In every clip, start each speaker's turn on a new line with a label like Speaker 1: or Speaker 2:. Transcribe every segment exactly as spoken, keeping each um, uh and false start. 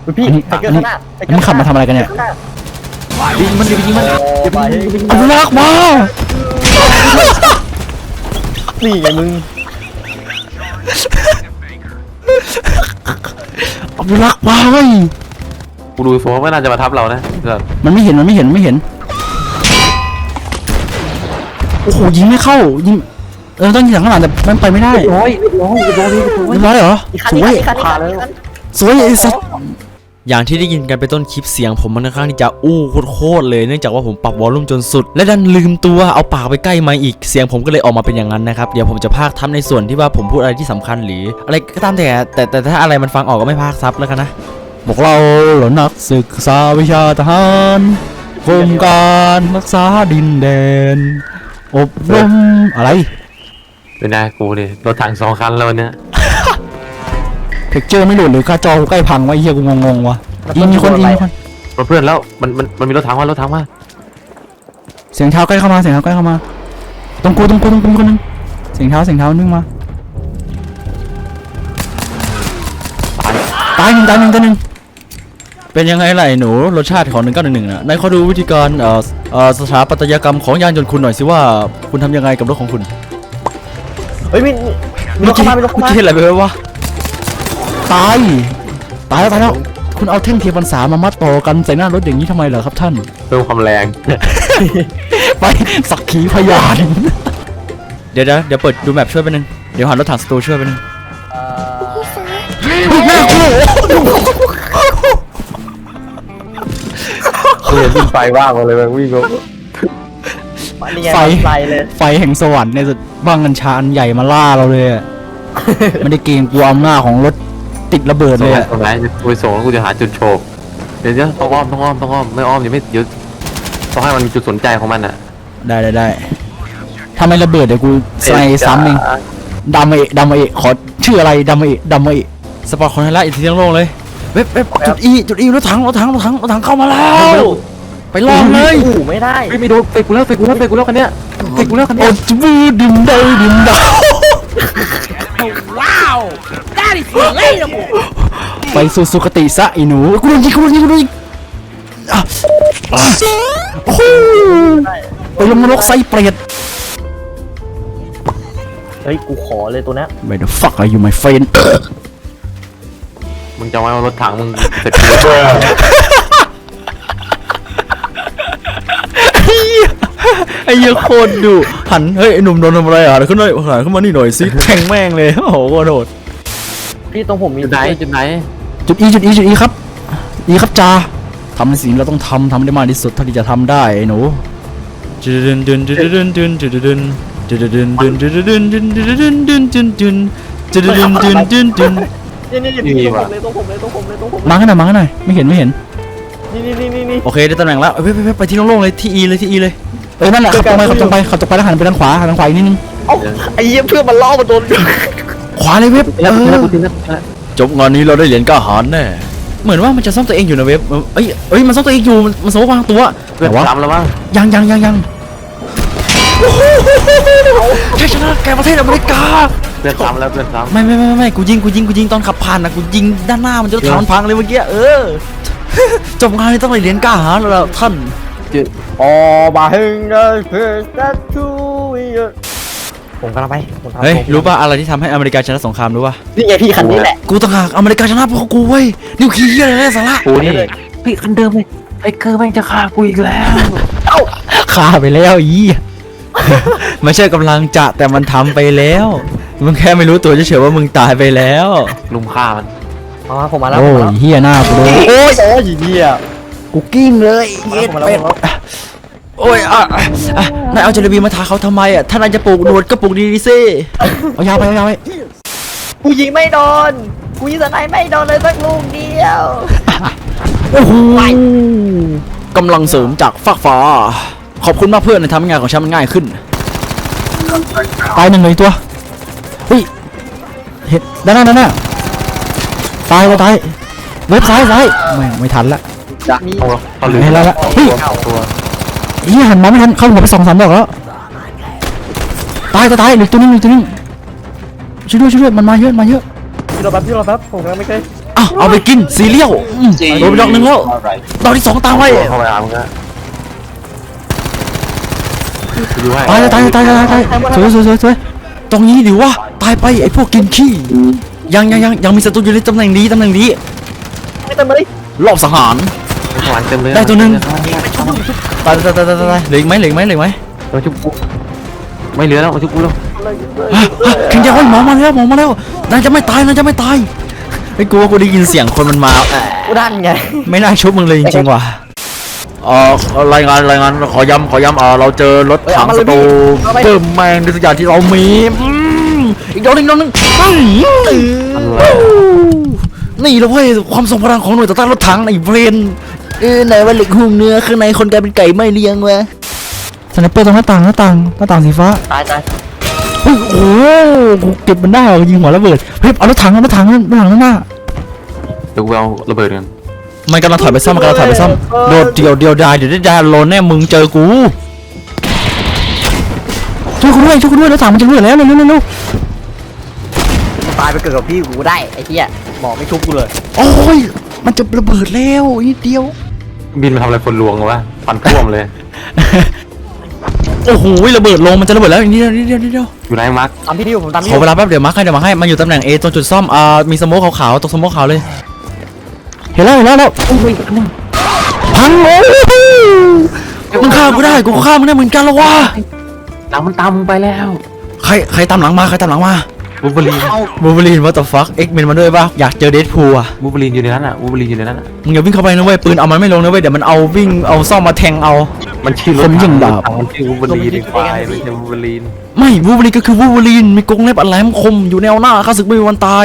Speaker 1: พี่
Speaker 2: อันนี้
Speaker 1: ไทเกอร์
Speaker 2: อันนี้
Speaker 1: ข้างหน้า
Speaker 2: อันนี้ขับมาทำอะไรกันเนี่ย
Speaker 3: ยิงมันดิยิงมัน
Speaker 1: โอ้ไป
Speaker 2: อนุรักษ์มา
Speaker 1: นี่ไงมึง
Speaker 2: อนุรักษ์มาเว้ย
Speaker 3: กูดูโฟมไม่น่าจะมาทับเรานะ
Speaker 2: มันไม่เห็นมันไม่เห็นไม่เห็นโอ้โหยิงไม่เข้ายิงเออต้องยิงจากข้างหลังแต่มันไปไม่ได้
Speaker 1: ร้อยร้อยร้อย
Speaker 2: เรียบร้อยเหรอ
Speaker 1: อีกคัน
Speaker 2: ส
Speaker 1: อีก
Speaker 2: วย
Speaker 1: คันอีกคันอีกคัน
Speaker 2: สวยไอ้สัส
Speaker 4: อย่างที่ได้ยินกันไปต้นคลิปเสียงผมมันค่อนข้างที่จะอู้โคตรเลยเนื่องจากว่าผมปรับวอลลุ่มจนสุดและดันลืมตัวเอาปากไปใกล้ไมค์อีกเสียงผมก็เลยออกมาเป็นอย่างนั้นนะครับเดี๋ยวผมจะพากย์ทับในส่วนที่ว่าผมพูดอะไรที่สำคัญหรืออะไรก็ตามแต่แต่แต่ถ้าอะไรมันฟังออกก็ไม่พากย์ซับแล้วกันนะบอกเราเหล่านักศึกษาวิชาทหารโครงการรักษาดินแดนอบรมอะไร
Speaker 3: เป็นไงกูเนี่ยรถถังสองคันแล้วเนี่ย
Speaker 2: เทคเจอร์ไม่หลุดหรือค่าจอกูใกล้พังวะเฮียกูงงๆวะยิงมีคนยิงมีคน
Speaker 3: รถเพื่อนแล้วมันมันมันมีรถถังว่ารถถังว่า
Speaker 2: เสียงเท้าใกล้เข้ามาเสียงเท้าใกล้เข้ามาตรงกูตรงกูตรงกูมีคนนึงเสียงเท้าเสียงเท้านึงมาตายหนึ่งตายหนึ่งตายหนึ่งเป็นยังไงล่ะไอ้หนูรสชาติของหนึ่งเก้าหนึ่งหนึ่งน่ะนายขอดูวิธีการเอ่อเอ่อสถาปัตยกรรมของยานยนต์คุณหน่อยสิว่าคุณทำยังไงกับรถของคุณ
Speaker 1: เฮ้ยมีมีรถเข้ามามีรถเข้า
Speaker 4: เมื่อ
Speaker 1: มา
Speaker 4: กี้เห็นอะไรไปวะ
Speaker 2: ตายตายแล้วตายแล้วคุณเอาแท่งเทียนพรรษามามัดต่อกันใส่หน้ารถอย่างนี้ทำไมเหรอครับท่าน
Speaker 3: เพิ่มความแรง
Speaker 2: ไปสักขีพยาน
Speaker 4: เดี๋ยวเดี๋ยวเดี๋ยวเปิดดูแมปช่วยไปนึงเดี๋ยวหันรถถังสตูช่วยไปนึง
Speaker 2: น่ากลัว
Speaker 3: กูเห็นเป็นไฟว่างมาเลยมันวิ่งก็
Speaker 1: นี่ไง
Speaker 2: ไฟ
Speaker 1: ไฟเลย
Speaker 2: ไฟแห่งสวรรค์ในสุดบ้างกัญชาอันใหญ่มาล่าเราเลยอะไม่ได้เกรงกลัวอำนาจของรถติดระเบิด
Speaker 3: ตร
Speaker 2: เล
Speaker 3: ง
Speaker 2: ย
Speaker 3: ไหน
Speaker 2: อะ
Speaker 3: ตรงไหนกูไปส่งแล้วกูจะหาจุดโฉบเดี๋ยวเดี๋ยวต้องอ้อมต้องอ้อมต้องอ้อมไม่อ้อมยังไม่เดี๋ยวต้องให้มันมีจุดสนใจของมันอ่ะ
Speaker 2: ได้ได้ได้ถ้าไม่ระเบิดเดี๋ยวกูใส่ซ้ำเองดำเอะดำเอะขอชื่ออะไรดำเอะดำเอะ
Speaker 4: สปอร์ตคอนเทนต์อีกทีทั้งโลกเลยเว็บเว็บจุดอีจุดอีรถถังรถถังรถถังรถถังเข้ามาแล้วไปลองเลย
Speaker 1: อู้ไม่ได้
Speaker 3: เฮ้ยไม่โดนเฟกกูแล้วเฟกกูแล้วเฟกกูแล้วคันเนี้ยเฟกกูแล้วคัน
Speaker 2: โอ้
Speaker 3: เนี้ย
Speaker 2: จูบูดิมดาวดิมดาว
Speaker 5: Wow! That is relatable!
Speaker 2: ไปสู่สุคติซะไอ้หนูกูโดนยิงกูโดนยิงกูโดนยิงอ่ะอ่ะโอ้โหไปลงนรกไซเปรต
Speaker 1: เฮ้ยกูขอเลยตัวเนี้ย
Speaker 2: Where the fuck are you my friend
Speaker 3: มึงจะไว้ว่ารถถังมึงเสร็จกู
Speaker 4: ไอ้เหี้ยโคตรดุหันเฮ้ยไอ้หนุ่มโดนทำอะไรอ่ะเดี๋ยวขึ้นหน่อยหันขึ้นมานี่หน่อยสิแทงแม่งเลยโอ้โหโคตรโหด
Speaker 1: พี่ตรงผมมี
Speaker 3: จุดไหนจุดไหน
Speaker 2: จุด E จุด E จุด E ครับ E ครับจ้าทำในสิ่งที่เราต้องทำทำได้มากที่สุดเท่าที่จะทำได้ไอ้หนู
Speaker 4: จุดดึนดึนจุดดึนดึนจุดดึนจุดดึนดึนจุดดึนดึนจุดดึนดึนจุดดึนจุดดึนดึนจุดดึน
Speaker 1: นี่นี่นี่ตรงผมเลยตรงผมเลยตรงผมเลยตรงผม
Speaker 2: มาข้างหน้ามาข้างหน้าไม่เห็นไม่เห็น
Speaker 1: นี่นี่นี่นี่
Speaker 4: โอเคได้ตำแหน่งแล้วไปไปไปไปที่โล่งๆเลยที่อีเลยที่อีเลย
Speaker 2: เออนั่นแหละขับตรงไปขับตรงไปขับตรงไปแล้วหันไปทางขวาหันทางขวาอีกนิดนึง
Speaker 1: เอ้าไอ้เหี้ยเพื่อนมันล่อมาโดน
Speaker 2: ขวาเลยเว็บเอ
Speaker 3: แล้ว
Speaker 2: อ
Speaker 3: แล้วกูทิ้งแล้ว
Speaker 4: จบงานนี้เราได้เหรียญกล้าหาญแน่เหมือนว่ามันจะซ่อมตัวเองอยู่นะเว็บเอ้ยเอ้ยมันซ่อมตัวเองอยู่มันสมมติวางตัว
Speaker 3: เพื่อนซ้ำแล้วมั้ง
Speaker 2: ยังยังยังยัง
Speaker 4: ชัยชนะแกประเทศอเมริกา
Speaker 3: เพื่อนซ้ำแล้วเพื่อนซ้ำ
Speaker 4: ไม่ไม่ไม่ไม่กูยิงกูยิงกูยิงตอนขับผ่านนะกูยิงด้านหน้ามันจะถอนพังเลยเมื่อกี้เออจบงานนี้ต้องได้เหรียญกล้าหาญแล้วท่าน
Speaker 1: อ๋อมาเฮงเดอเพื่อนจะช่วยผมกำลังไปผมทำ
Speaker 4: เฮ้ยรู้ป่ะอะไรที่ทำให้อเมริกาชนะสงครามรู้ป่ะ
Speaker 1: นี่ไงพี่คันนี้แหละ
Speaker 4: กูต่างหากอเมริกาชนะเพราะกูเว้ยนิวเคลียร์อะไรสาระ
Speaker 3: กูนี่
Speaker 1: เฮ้ยคันเดิมเลยไอ้เกอร์แม่งจะฆ่ากูอีกแล้ว
Speaker 2: ฆ่าไปแล้วอี
Speaker 4: ไม่ใช่กำลังจะแต่มันทำไปแล้วมึงแค่ไม่รู้ตัวเฉยๆว่ามึงตายไปแล้ว
Speaker 3: ลุมฆ่ามัน
Speaker 1: อ๋อผมมาแล้ว
Speaker 2: โอ้ยเฮียหน้ากูโดน
Speaker 1: โอ้ยโอ้ยเหี้ย
Speaker 2: กูกิ้งเลย
Speaker 1: เย็ดเป็ด
Speaker 4: โอ้ยอ่ะอ่ะนายเอาเจลลีบีมาทาเขาทำไมอ่ะถ้านายจะปลูกหนวดก็ปลูกดีๆสิ
Speaker 2: เอายาวไปเอายาวไป
Speaker 1: กูยิงไม่โดนกูยิงสไนไม่โดนเลยสักลูกเดียว
Speaker 2: โอ้โห
Speaker 4: กำลังเสริมจากฟากฟ้าขอบคุณมากเพื่อนที่ทำให้งานของฉันมันง่ายขึ้น
Speaker 2: ตายหนึ่งเลยตัวเฮ้ยเห็นด้านหน้าด้านหน้าตายแล้วตายเว็บซ้ายซ้ายไม่ไม่ทันละ
Speaker 1: มี
Speaker 3: เอาเอาลืม
Speaker 2: เห็นแล้วละเฮ้ย
Speaker 3: ตัว
Speaker 2: เฮียหันมาไม่ทันเข้าหัวไปสองสามดอกแล้วตายตายตายเหลือตัวนึงเหลือตัวนึงช่วยด้วยช่วยด้วยมันมาเยอะมาเยอะ
Speaker 1: พี่รอแป๊บพี่รอแป๊บผมกำลังไม่เคย
Speaker 4: อ้าวเอาไปกินซีเรียลอืมโดนไปดอกหนึ่งแล้วดอกที่สองตามไว้
Speaker 3: เข้าไปอามึงก็ดูให้
Speaker 2: ตายตายตายตายตายสวยสวยสวยสวย
Speaker 4: ตรงนี้ดิวะตายไปไอ้พวกกินขี้ยังยังยังยังมีศัตรูอยู่ในตำแหน่งนี้ตำแหน่งนี้
Speaker 1: ไม่ต้องมาดิ
Speaker 4: รอบสังหาร
Speaker 3: ข้างหลังเต็มเลย
Speaker 4: ได้ตัวหนึ่ง ตายตายตายตายตายเหลืออีกไหมเหลืออีกไหมเหลืออีกไหม
Speaker 3: มาชุบกูไม่เหลือแล้วมาชุบกูแล้ว
Speaker 4: ฮะฮะเข็งใจไว้หมอมาแล้วหมอมาแล้วนายจะไม่ตายนายจะไม่ตายไอ้กูว่ากูได้ยินเสียงคนมันมา
Speaker 1: กูดันไง
Speaker 4: ไม่น่าชุบมึงเลยจริงๆว่ะเอ่อรายงานรายงานขอย้ำขอย้ำเอ่อเราเจอรถถังศัตรูเพิ่มแมงในทุกอย่างที่เรามีอืมอีกดอกหนึ่งดอกหนึ่งอืมนี่เราเว้ยความทรงพลังของหน่วยต่อต้านรถถังไอ้เบรนเออไหนว่าเหล็กหุ้มเนื้อข้างในคนกลายเป็นไก่ไม่เลี้ยงวะ
Speaker 2: สไนเปอร์ตรงหน้าต่างหน้าต่างหน้าต่างสีฟ้า
Speaker 1: ตายตาย
Speaker 2: โอ้โหกูเก็บมันได้เหรอยิงหัวระเบิดเฮ้ยเอารถถังเอารถถังนั่นรถถังนั่นน่ะ
Speaker 3: เดี๋ยวกูเอาระเบิดกัน
Speaker 4: มันกำลังถอยไปซ่อมมันกำลังถอยไปซ่อมโดดเดียวเดียวดายเดี๋ยวได้ดายโลนแน่มึงเจอกู
Speaker 2: ช่วยกูด้วยช่วยกูด้วยรถถังมันจะรั่วแล้วเร็วเร็วเร็วเร็ว
Speaker 1: กูตายไปเกิดกับพี่กูได้ไอ้เหี้ยหมอไม่ชุบกูเลย
Speaker 2: โอ้ยมันจะระเบิดแล้วนิดเดียว
Speaker 3: บินมาทำอะไรคนลวงวะฟันท่วมเลย
Speaker 4: โอ้โหระเบิดลงมันจะระเบิดแล้วนิดเดียวนิดเดียวนิดเดียว
Speaker 3: อยู่ไหนมาร์ค
Speaker 1: ตามพี่ดิวผมตามพี่
Speaker 4: ขอเวลาแป๊บเดี๋ยวมาร์คให้เดี๋ยวมาร์คให้มันอยู่ตำแหน่ง A ตรงจุดซ่อมอ่ามีสโมกขาวๆตรงสโมกขาวเลย
Speaker 2: เห็นแล้วเห็นแล้วแล้วพังโอ้ย
Speaker 4: มึงฆ่ากูได้กูฆ่ามึงได้เหมือนกันแล้ววะ
Speaker 3: หลังมันตามมึงไปแล้ว
Speaker 4: ใครใครตามหลังมาใครตามหลังมา
Speaker 3: บูเบอรีน
Speaker 4: บูเบอรีนวัตถุฟักเอ็กเมนมาด้วยป่ะอยากเจอเดดพูลอ่ะ
Speaker 3: บูเบอรีนอยู่ในนั้นอ่ะบูเบอรีนอยู่ในนั้นอ่ะ
Speaker 4: มึงอย่าวิ่งเข้าไปนะเว้ยปืนเอามันไม่ลงนะเว้ยเดี๋ยวมันเอาวิ่งเอาซ่อมมาแทงเอา
Speaker 3: มันชื่อรถถังมันชื่อบูเบอรีนควายไม่ใช่บูเบอรีน
Speaker 4: ไม่บูเบอรีนก็คือบูเบอรีนมีกรงเล็บอันแหลมคมอยู่แนวหน้าข้าศึกไม่มีวันตาย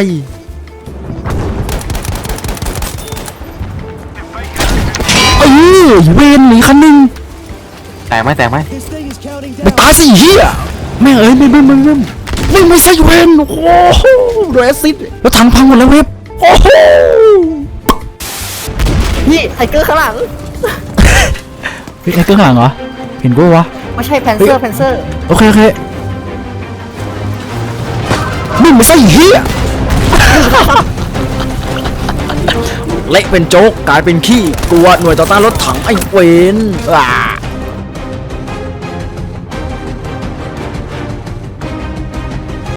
Speaker 2: เอ้ยเวนหนีคันหนึง
Speaker 3: แตกไหมแตกไหม
Speaker 2: ไปตายสิเฮียแม่งเอ้ยไม่ไม่ไม่ไม่ไม่ไม่ใช่เวนโอ้โหโดนแอซิดแล้วถังพังหมดแล้วเว็บโอ้โห
Speaker 1: พี่ไทเกอร์ข้างหลัง
Speaker 2: เฮ้ยไอ้เกื้องหลังเหรอเห็นกูวะ
Speaker 1: ไม่ใช่แพนเซอร์แพนเซอร์
Speaker 2: โอเคโอเคมึงไม่ใช่เฮีย
Speaker 4: เละเป็นโจ๊กกลายเป็นขี้กลัวหน่วยต่อต้านรถถังไอ้เวนอ่า